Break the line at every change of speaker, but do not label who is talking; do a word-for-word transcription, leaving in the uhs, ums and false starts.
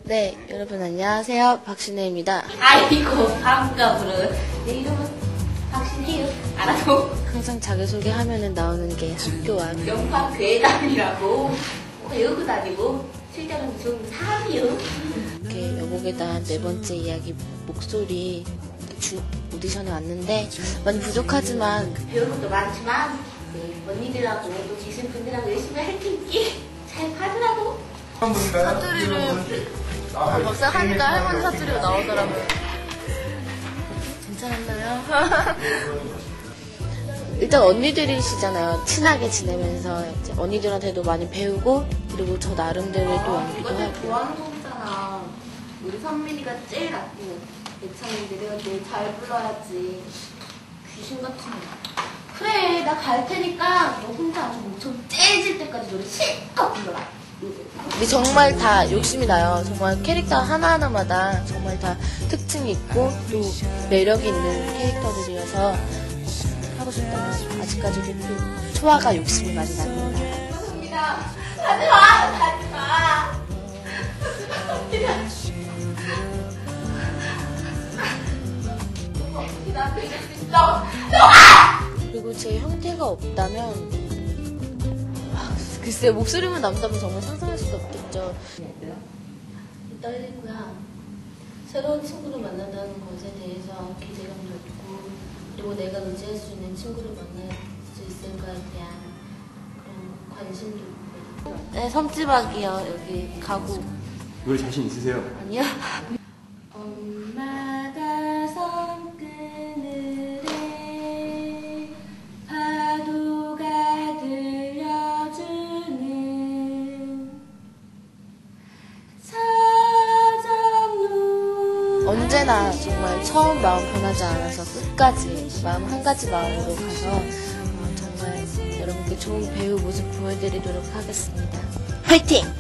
네, 여러분 안녕하세요. 박신혜입니다.
아이고, 반가 부르. 내 이름은 박신혜요. 알아도.
항상 자기소개하면은 나오는 게 학교와
영화 괴담이라고. 외우고 다니고, 실제로는 좀 사람이요.
이렇게 여복에 대한 네 번째 이야기 목소리 주, 오디션에 왔는데 많이 부족하지만
배울 것도 많지만, 네, 언니들하고 또 계신 분들하고 열심히 할 테니까 잘 봐주라고.
사투리를 아, 막상 하니까 할머니 사투리가 나오더라고요.
괜찮았나요? 일단 언니들이시잖아요. 친하게 지내면서 이제 언니들한테도 많이 배우고 그리고 저 나름대로 또 연기도
이거 내가
하고.
좋아하는 곡이잖아. 우리 선민이가 제일 낫고 예찬이인데 내가 제일 잘 불러야지. 귀신 같은 거. 그래, 나 갈 테니까 너 혼자 아주 목청 째질 때까지 노래 실컷 불러라.
근데 정말 다 욕심이 나요. 정말 캐릭터 하나하나마다 정말 다 특징이 있고 또 매력이 있는 캐릭터들이어서 하고 싶다면 아직까지도 또 초아가 욕심이 많이 납니다.
선민아, 하지 마! 하지 마! 선민아, 나도 이럴 수 있어!
그리고 제 형태가 없다면 아, 글쎄 목소리만 남다면 정말 상상할 수도 없겠죠.
떨리고요. 새로운 친구를 만난다는 것에 대해서 기대감도 있고, 그리고 내가 의지할 수 있는 친구를 만날 수 있을까에 대한 그런 관심도 있고.
네, 섬지박이요. 여기 가구.
노래 자신 있으세요?
아니요?
엄마가 손그늘에 파도가 들려주는 서정로.
언제나 정말 처음 마음 변하지 않아서 끝까지 마음 한 가지 마음으로 가서 어, 정말 여러분께 좋은 배우 모습 보여드리도록 하겠습니다. 화이팅!